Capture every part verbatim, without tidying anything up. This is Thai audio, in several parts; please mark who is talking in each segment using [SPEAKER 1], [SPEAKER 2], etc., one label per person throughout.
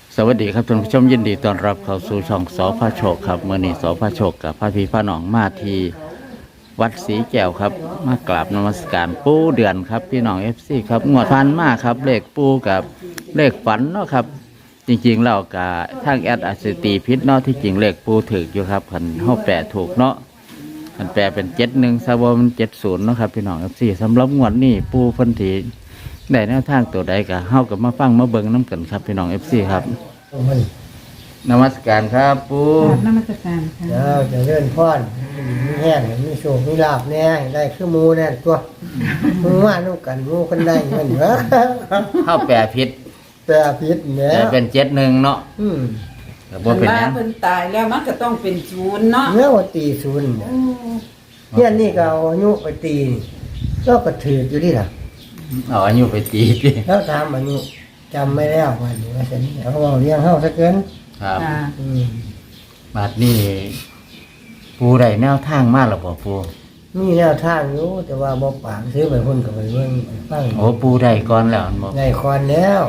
[SPEAKER 1] สวัสดีครับท่านผู้ชมยินดีต้อนรับเข้าสู่ช่องสอพระโชคครับเมื่อนี้สอพระโชคกับพระพีพระหนองมาที่วัดศรีแก้วครับมากราบนมัสการปูเดือนครับพี่น้องเอฟซีครับงวดฟันมากครับเลขปูกับเลขฝันเนาะครับจริงๆเรากับทางแอดอัสตีพิษเนาะที่จริงเลขปูถึกอยู่ครับขันห้าแปดถูกเนาะขันแปลเป็นเจ็ดหนึ่งซาบมันเจ็ดศูนย์เนาะครับพี่น้องเอฟซีสำหรับงวดนี้ปูพันธีได้แนวทางตัวใดกับเฮากับมาฟังมาเบิ่งน้ำกันครับพี่น้องเอฟซีครับนมัสการครับปู
[SPEAKER 2] นมัสการค่ะ
[SPEAKER 3] เจ้าจะเลื่อนพอนมีแห้งมีโชคมีลาบแน่ได้คือมูแน่ตัวมึงว่านุ่กันมูคนได้เงินเหรอ
[SPEAKER 1] เข้าแปรพิษ
[SPEAKER 3] แปรพิษเนี่ย
[SPEAKER 1] แต่เป็นเจ็ดหนึ่งเนาะ
[SPEAKER 3] อืม
[SPEAKER 1] แต่บ่เป็นนั้น
[SPEAKER 2] เพิ่นตายแล้วมันก็ต้องเป็นศูนย์เนาะ
[SPEAKER 3] เมื่อวันตีศูนย์เนี่ยเนี่ยนี่ก็เอาอายุไปตีก็กระถืออยู่ที่ล่ะ
[SPEAKER 1] เอาอายุไปตีดิ
[SPEAKER 3] แล้วถามอายุจำไม่แล้ววันนี้ว่าฉันเอาเอาเลี้ยงเข้าสักเกิน
[SPEAKER 1] ครับบาดนี้ปูได้แนวทางมากหรอบ่ปู
[SPEAKER 3] มีแนวทางอยู่แต่ว่าบ่ปากซื้อไปพุ่นกับไปเบิ่งฟัง
[SPEAKER 1] โอ้ปูได้ก่อนแล้วบ่
[SPEAKER 3] ได้คอนแล้ว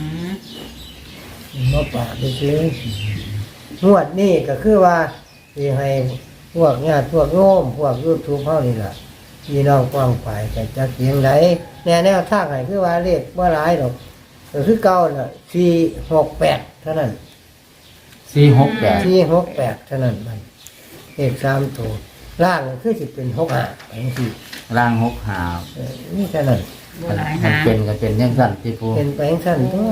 [SPEAKER 3] บ่ปากไปซื้องวดนี้ก็คือว่าสิให้พวกญาติพวกโยมพวก YouTube เฮานี่ล่ะพี่น้องกว้างฝ่ายก็จักเสียงใดแนวแนวทางให้คือว่าเลขบ่หลายดอกก็คือเก่าน่ะสี่ หก แปดเท่านั้น
[SPEAKER 1] สี่หกแปด
[SPEAKER 3] สี่ หก แปดเท่านั้นมันเลขสามตัวล่างคือสิเป็นหก ห้าจังซี่
[SPEAKER 1] ล่างหกหา
[SPEAKER 3] เออนี่เท่านั้น
[SPEAKER 1] มันเป็นก็เป็นจังซั่นที่ปู
[SPEAKER 3] เป็นไปจังซั่นตัว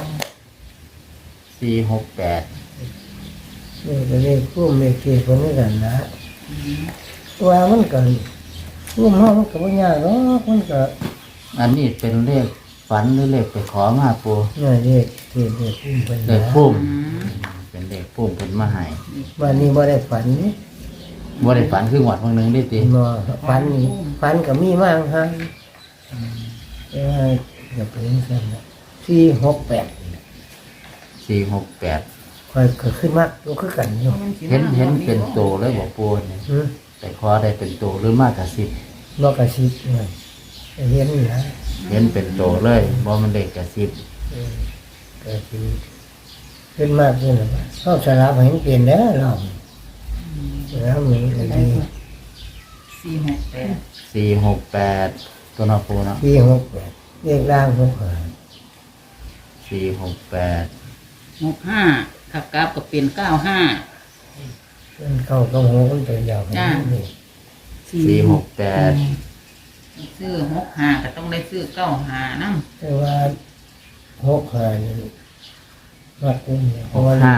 [SPEAKER 1] สี่หกแปด
[SPEAKER 3] นี่ก็เลขคู่เลขที่เพิ่นนี่กันนะว่ามันก็รวมเฮามันก็บ่ยากหรอกมันก็
[SPEAKER 1] อันนี้เป็นเลขฝันหรือเลขไปขอมาปู
[SPEAKER 3] นี่เลขที่เลขพุ่มเป็น
[SPEAKER 1] เลขพุ่มเป็นเลขพุ่มเป็นมาให้
[SPEAKER 3] วันนี้บ่ได้ฝันนี่
[SPEAKER 1] บ่ได้ฝันคือหวดบางนึงได้ติ
[SPEAKER 3] บ่ฝันนี่ฝันก็มีมาหั่นเอ้ยก็เป็นซั่นน่ะสี่ หก แปด
[SPEAKER 1] สี่หกแปด
[SPEAKER 3] ค่อยก็ขึ้นมาตัวคือกันอยู่
[SPEAKER 1] เห็นเห็นเป็นโตเลยบ่ปูนี่แต่ขอได้เป็นโตหรือมากกว่าสิบ
[SPEAKER 3] บ่กระซิบเลยเห็นนี่นะ
[SPEAKER 1] เห็นเป็นโตเลยบ่มันเด็กกระซิบ
[SPEAKER 3] กระซิบขึ้นมากขึ้นแล้วเขาสลับเห็นเปลี่ยนแล้วเราแล้วมีอะไร
[SPEAKER 2] สี่หกแปด
[SPEAKER 1] สี่หกแปดตัวนอปูเนาะ
[SPEAKER 3] สี่หกแปดเรียกร่างหกห้า
[SPEAKER 1] สี่หกแปด
[SPEAKER 2] หกห้าขับกราฟก็เป็นเก้าห้า
[SPEAKER 3] มันเข้ากับหัวมันเป็นยาวจ้า
[SPEAKER 1] สี่หกแปด
[SPEAKER 2] ซื้อหกห้าก็ต้องได้ซื้อเก้าห้านั่ง
[SPEAKER 3] แต่ว่าหกห้านี่วัดเป็น
[SPEAKER 1] หกห้า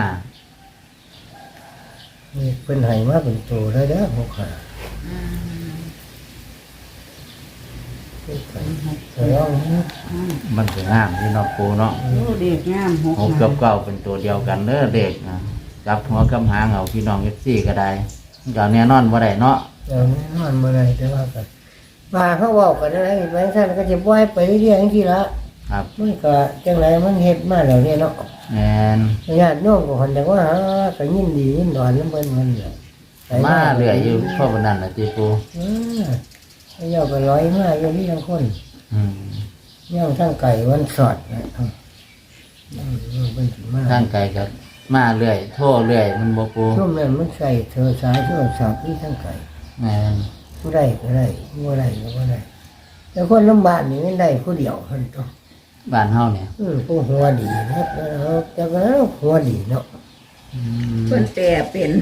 [SPEAKER 3] นี่เป็นไห้มาเป็นตัวได้แล้วหกห้า
[SPEAKER 1] มันจะงามที่นอปูเนาะ
[SPEAKER 2] เด็กงาม
[SPEAKER 1] หกกับเก้าเป็นตัวเดียวกันเด้อเด็กนะจับหัวกำหางเอาพี่น้องเอฟซีก็ได้อย่างแน่นอนว่าได้เนาะ
[SPEAKER 3] อย่างแน่นอนเมื่อไรแต่ว่ากันมาเขาบอกกันอะไรแบงค์ท่านก็จะบ่อยไปเรื่อยๆอย่างที่ละ
[SPEAKER 1] ครับ
[SPEAKER 3] มันก็จังไรมันเฮ็ดมาแล้วเนี่ยเนาะ
[SPEAKER 1] แม่น
[SPEAKER 3] ญาติโยมก็คนแต่ว่าหาก็ยินดียินดอนแล้วเพิ่นมันแหละ
[SPEAKER 1] มาเรื่อยอยู่พ่อปนันน่ะติปู
[SPEAKER 3] เออเจ้าก็ร้อยมาอยู่นี่ทั้งคน
[SPEAKER 1] อืม
[SPEAKER 3] ย่างทั้งไก่วันสอดนะ
[SPEAKER 1] ทางไก่ก็มาเรื่อยโทษเรื่อยมันบ่ปู
[SPEAKER 3] ช่วงนั้นมันใส่เธอสายช่วงสอบนี่ทั้งไก่
[SPEAKER 1] แม่น
[SPEAKER 3] ผู้ใดก็ได้ผู้ใดก็บ่ได้แต่คนลำบากนี่ไม่ได้ผู้เดียวเพิ่นต้อง
[SPEAKER 1] บ้านเฮาเนี่ย
[SPEAKER 3] อือผู้หัวดีนะแต่ก็หัวดีเนาะ
[SPEAKER 2] เพิ่นแต่เป็น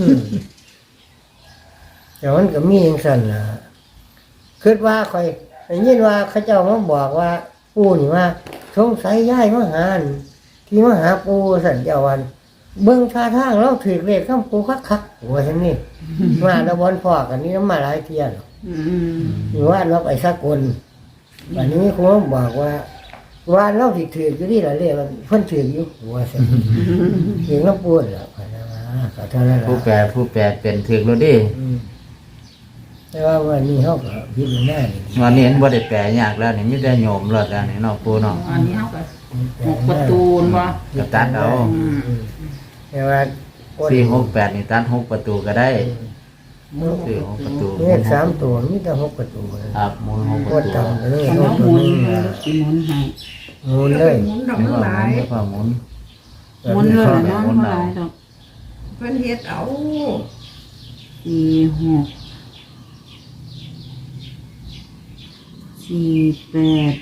[SPEAKER 3] แต่มันก็มีจังซั่นล่ะคิดว่าค่อยได้ยินว่าเขาเจ้ามาบอกว่าปู่นี่ว่าสงสัยย้ายมาหาที่มาหาปู่สั่นเจ้าวันเบิ่งท่าทางเราถือเลขคำปู่คักๆว่าซั่นนี่มาแล้วบ่พอกันนี่มาหลายเที่ยแล้วอืมอยู่ว่าเราไปสกลวันนี้ครูบอกว่าว่าเราสิถืออยู่นี่ล่ะเลขเพิ่นถืออยู่ว่าซั่นถือน้ำปู่ล่ะก็เท่านั้นล่ะ
[SPEAKER 1] ผู้แปลผู้แปลเป็นถือแล้วดิ
[SPEAKER 3] แต่ว่าวันนี้เขาก็พิจารณา
[SPEAKER 1] วันนี้เห็นบ่ได้แปลยากแล้วนี่มีแต่โยมรอดแล้วนี่เนาะปูเนาะ
[SPEAKER 2] อันนี้เขาก็หกประตูนบ่
[SPEAKER 1] ก็ตัดเอา
[SPEAKER 3] แต่ว่า
[SPEAKER 1] สี่หกแปดนี่ตัดหกประตูก็ได้สี่หกประตู
[SPEAKER 3] เลขสามตัวมีแต่หกประตู
[SPEAKER 1] ครับมูลหกประตู
[SPEAKER 3] เลยหมุน
[SPEAKER 2] กี่หมุนให้
[SPEAKER 3] หมุนเลย
[SPEAKER 1] หมุนทั้งหลายหมุน
[SPEAKER 4] หมุนเลยเนาะบ่หลายดอก
[SPEAKER 2] เพิ่นเฮ็ดเอา
[SPEAKER 4] สี่หกสี่แปด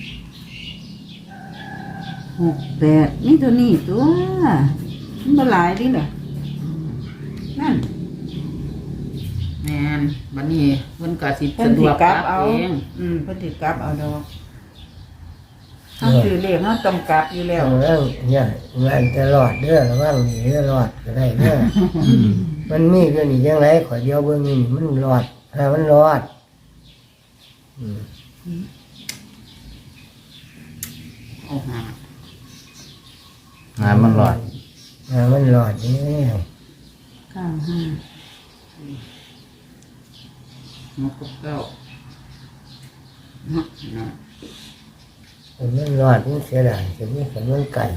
[SPEAKER 4] หกแปดนี่ตัวนี้ตัวมันบ่หลายดิเหรอนั่น
[SPEAKER 2] แม่นบัดนี้เพิ่นก็สิ
[SPEAKER 4] เพิ่น
[SPEAKER 2] สะด
[SPEAKER 4] สิ
[SPEAKER 2] วก
[SPEAKER 4] กลับ
[SPEAKER 2] กลับ
[SPEAKER 4] เอา
[SPEAKER 2] เอง
[SPEAKER 4] อืมเพิ่นสิกลับเอาดอกเฮาซื้อเลขเฮาต้องกลับอยู่แล้ว
[SPEAKER 3] เรื่องเนี่ยงานจะรอดเด้อระวังหนีรอดก็ได้เด้อมันมีเรื่องนี้จังไรขอเดียวเบิ่งนี่มันรอดถ้ามันรอดอืม
[SPEAKER 2] เอาหา
[SPEAKER 1] งานมันหลอด
[SPEAKER 3] ถ้ามันรอดนี่
[SPEAKER 4] เก้าห้า
[SPEAKER 2] หกกับเก้าเนาะเนาะ
[SPEAKER 3] มันรอดมันเสียดายจะมีกับมันไก่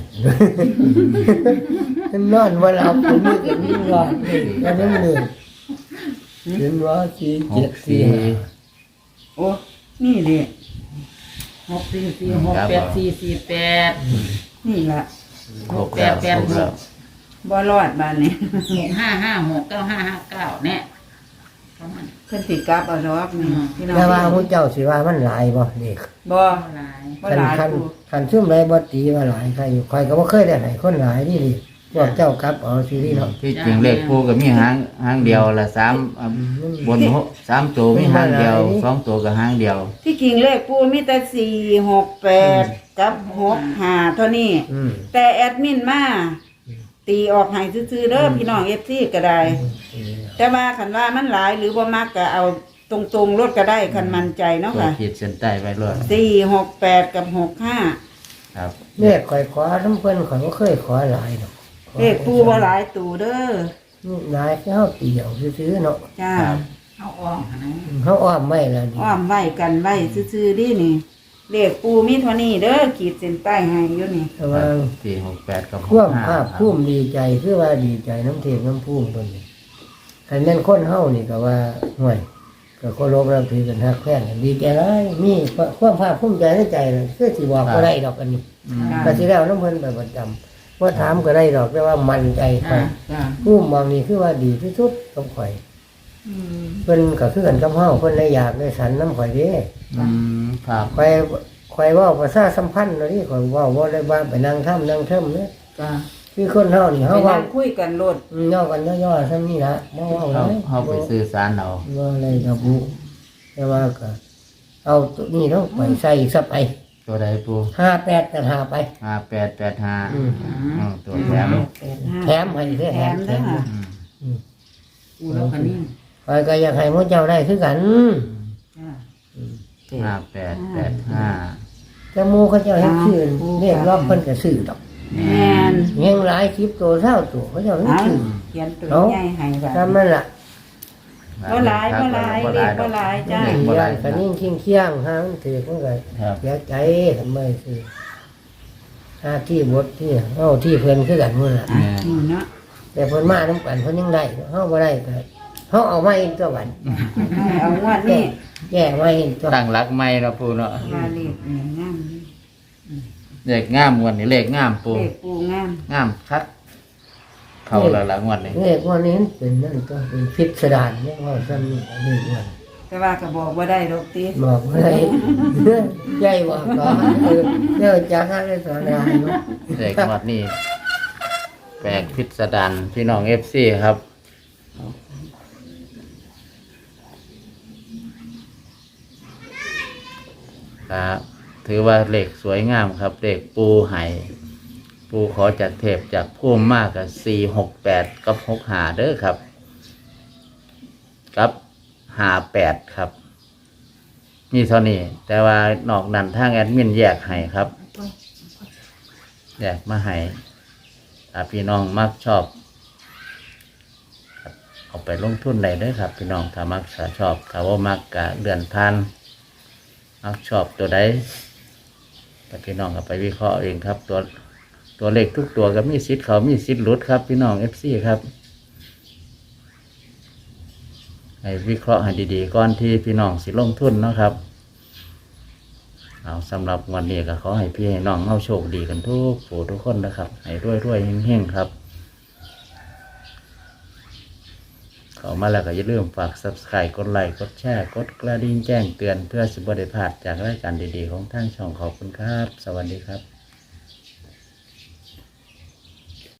[SPEAKER 3] มันนอนว่าเราผมมีกับนี่รอดเลยแล้วนั่นหนึ่งถึงว่าสี่
[SPEAKER 1] ห
[SPEAKER 3] เจ็ด
[SPEAKER 1] ก
[SPEAKER 3] สี่
[SPEAKER 1] สี่
[SPEAKER 3] ห้า
[SPEAKER 4] โอ้นี่ดิ
[SPEAKER 2] หกสี่สี่หกแปดสี่สี่แปด
[SPEAKER 4] นี่ล่ะ
[SPEAKER 1] หกแล้ว
[SPEAKER 2] แปด
[SPEAKER 1] หกแล้ว
[SPEAKER 4] บ่รอดบานนี้
[SPEAKER 2] หกห้าห้าหกเก้าห้าห้าเก้าเนี่ยประมาณ
[SPEAKER 4] เพิ่นสิกลับเอาดอกนี่
[SPEAKER 2] อืม
[SPEAKER 4] พี่น้อง
[SPEAKER 3] แต่ว่าพระเจ้าสิว่ามันหลายบ่เด็ก
[SPEAKER 4] บ่
[SPEAKER 2] เท่าไหร่
[SPEAKER 4] บ่
[SPEAKER 3] คัน
[SPEAKER 4] หลาย
[SPEAKER 3] คัน
[SPEAKER 4] กู
[SPEAKER 3] คันซุ่มไรบ่ตีว่าหลายใครอยู่ใครก็บ่เคยได้ไหนคนหลายนี่ดิพวกเจ้ากลับเอาซีรีส์เนาะ
[SPEAKER 1] ที่จริงเลขปูก็มีหางหางเดียวละสามอ่ะบนหกสามตัวมีหางเดียวสองตัวกับหางเดียว
[SPEAKER 4] ที่จริงเลขปูมีแต่สี่หกแปดกับหกห้าเท่านี้
[SPEAKER 3] อืม
[SPEAKER 4] แต่แอดมินมาตีออกให้ซื่อๆเด้อพี่น้อง เอฟ ซี ก็ได้ แต่ว่าคันว่ามันหลายหรือบ่มักก็เอาตรงๆรถก็ได้คันมั่นใจเนาะ
[SPEAKER 1] ตัว
[SPEAKER 4] ค่ะ
[SPEAKER 1] ขีดเส้นใต้ไว้รวด
[SPEAKER 4] สี่หกแปดกับหกห้า
[SPEAKER 1] ครับ
[SPEAKER 3] เลขข่อยขอน้ำเพิ่นข่อยบ่เคยขอหลายดอก
[SPEAKER 4] เลขปูบ่หลายตูเด้อ
[SPEAKER 3] นี่หลายแค่เฮาตีเอาซื่อๆเนาะ
[SPEAKER 4] จ้า
[SPEAKER 1] ครับ
[SPEAKER 2] เอาออกหา
[SPEAKER 3] เฮาอ้อมไว้แล้วนี่
[SPEAKER 4] อ้อมไว้กันไว้ซื่อๆดินี่เลขปูมีเท่านี้เด้อขีดเส้นใต้ให้อยู่นี่
[SPEAKER 3] แต่ว่า
[SPEAKER 1] สี่หกแปดกับห
[SPEAKER 3] คว
[SPEAKER 1] ก
[SPEAKER 3] ม
[SPEAKER 1] ห้า
[SPEAKER 3] ภาคภูมิดีใจคือว่าดีใจน้ำเทพน้ำภูมิตัวนี้คันแม่นคนเฮานี่ก็ว่าห่วยก็เคารพนับถือกันฮักแท้กันดีใจหลายมีความภาคภูมิใจในใจน่ะคือสิบอกบ่ได้ดอกอันนี้
[SPEAKER 1] อืม
[SPEAKER 3] ก็สิแล้วน้ำเพิ่นไปประจำว่าถามก็ได้ดอกแต่ว่ามั่นใจข่อย
[SPEAKER 4] จ้า
[SPEAKER 3] ภูมิบางนี่คือว่าดีที่สุดกับข่อยเพิ่นก็คือกันกับเฮาเพิ่นเลยอยากได้สันน้ำข่อยเด้
[SPEAKER 1] อืมครับ
[SPEAKER 3] ข่อยข่อยเว้าภาษาสัมพันธ์เนาะนี่ข่อยเว้าบ่ได้ว่าไปนั่งถ้ำนั่งเทิมเด้
[SPEAKER 4] จ้า
[SPEAKER 3] คือคนเฮานี่
[SPEAKER 4] ไป
[SPEAKER 3] เฮาเว้า
[SPEAKER 4] นั่งคุยกันโลด
[SPEAKER 3] อืมย่อกันย่อๆซ้ำนี่ละบ่เว้าห
[SPEAKER 1] เขา
[SPEAKER 3] ลาย
[SPEAKER 1] เขาไปซื้อสารเอา
[SPEAKER 3] บ่อะไรกับบุแต่ว่าก็เอาตัวนี้เนาะไปใส่ซะไป
[SPEAKER 1] ตัวใดปู
[SPEAKER 3] ห้าแปดกันหาไป
[SPEAKER 1] ห้าแปดแปดห้า
[SPEAKER 3] อืม
[SPEAKER 1] อืมตัวแถม
[SPEAKER 4] แปดห้า
[SPEAKER 3] แถมให้เด้อ
[SPEAKER 4] แถ
[SPEAKER 3] แถม
[SPEAKER 4] ม
[SPEAKER 3] แถ
[SPEAKER 4] เด้อ
[SPEAKER 3] ม
[SPEAKER 4] ค่ะ
[SPEAKER 1] อืม
[SPEAKER 2] กูแล้วคันนี้
[SPEAKER 3] ข่อยก็อยากให้หมู่เจ้าได้คือกัน
[SPEAKER 2] จ้า
[SPEAKER 1] ห้าแปดแปดห้า
[SPEAKER 3] แต่หมู่เขาเจ้าเฮ็ดชื่อเรียกรอบเพิ่นก็ซื้อดอก
[SPEAKER 4] แม่น
[SPEAKER 3] เฮงหลายคลิปตัวเท่าตัวเขาเจ้าเฮ็ด
[SPEAKER 4] เอา
[SPEAKER 3] ชื่อ
[SPEAKER 4] เขียนตัว
[SPEAKER 3] เอา
[SPEAKER 4] ใหญ่ให้ว่า
[SPEAKER 3] ทำนั่นล่ะ
[SPEAKER 4] บ่หลายบ่หลายเลขบ่หลายจ้า
[SPEAKER 1] เลข
[SPEAKER 3] มี
[SPEAKER 1] บ่ห
[SPEAKER 3] ร้า
[SPEAKER 1] ลาย
[SPEAKER 3] นก็นิ่งเคียงๆหามันถือมันก็
[SPEAKER 1] ครับ
[SPEAKER 3] เสียใจทำไมซื้อหาที่บดที่เฮาที่เพิ่นคือกันหมื้อล่ะ
[SPEAKER 1] เนี่ย
[SPEAKER 4] อืมเนาะ
[SPEAKER 3] แต่เพิ่นมาน้ำกันเพิ่นยังได้เฮาบ่ได้ก็เฮาเอามาเองตัวบัด
[SPEAKER 4] ให้เอางวดนี้
[SPEAKER 3] แย่มาเองตัว
[SPEAKER 1] ตั้งรักไม่เนาะปูเนาะ
[SPEAKER 4] มาเลขนี่งาม
[SPEAKER 1] เลขงามงวันนี้เลขงามปู
[SPEAKER 4] เลขปูงาม
[SPEAKER 1] งามคักเข้าแล้วละงวดนี้
[SPEAKER 3] เลขว่านี้เป็นนั่นตัวเป็นพิสดารเนี่ยว่าซั่นนี่เลขว่า
[SPEAKER 4] แต่ว่าก็บอกบ่ได้ดอกติ
[SPEAKER 3] บอกบ่ได้ใหญ่ว่าก็เออเดี๋ยวจะหาได้สอนได้เนาะ
[SPEAKER 1] เลขงวดนี้แปลกพิสดารพี่น้องเอฟซีครับครับถือว่าเลขสวยงามครับเลขปูไห่ปูขอจากเทพจากพุ่มมากกับสี่หกแปดกับหกหาเด้อครับ กับหาแปดครับ นี่เท่านี้ แต่ว่านอกนั้นทางแอดมินแยกให้ครับ แยกมาให้ถ้าพี่น้องมักชอบครับเอาไปลงทุนได้เด้อครับ พี่น้องถ้ามักถ้าชอบถ้าว่ามักกะเดือนพันมักชอบตัวใดแต่พี่น้องก็ไปวิเคราะห์เองครับ ตัวตัวเลขทุกตัวก็มีสิทธิ์เขามีสิทธิ์หลุดครับ พี่น้องเอฟซีครับ ให้วิเคราะห์ให้ดีๆก่อนที่พี่น้องสิลงทุนเนาะครับเอาสำหรับวันนี้ก็ขอให้พี่ให้น้องเอาโชคดีกันทุกผู้ทุกคนนะครับให้รวยรวยๆเฮงๆครับเข้ามาแล้วก็อย่าลืมฝาก ซับสไครบ์ กดไลค์กดแชร์กดกระดิ่งแจ้งเตือนเพื่อสิบบ่ได้พลาดจากรายการดีๆของทางช่องขอบคุณครับ สวัสดีครับ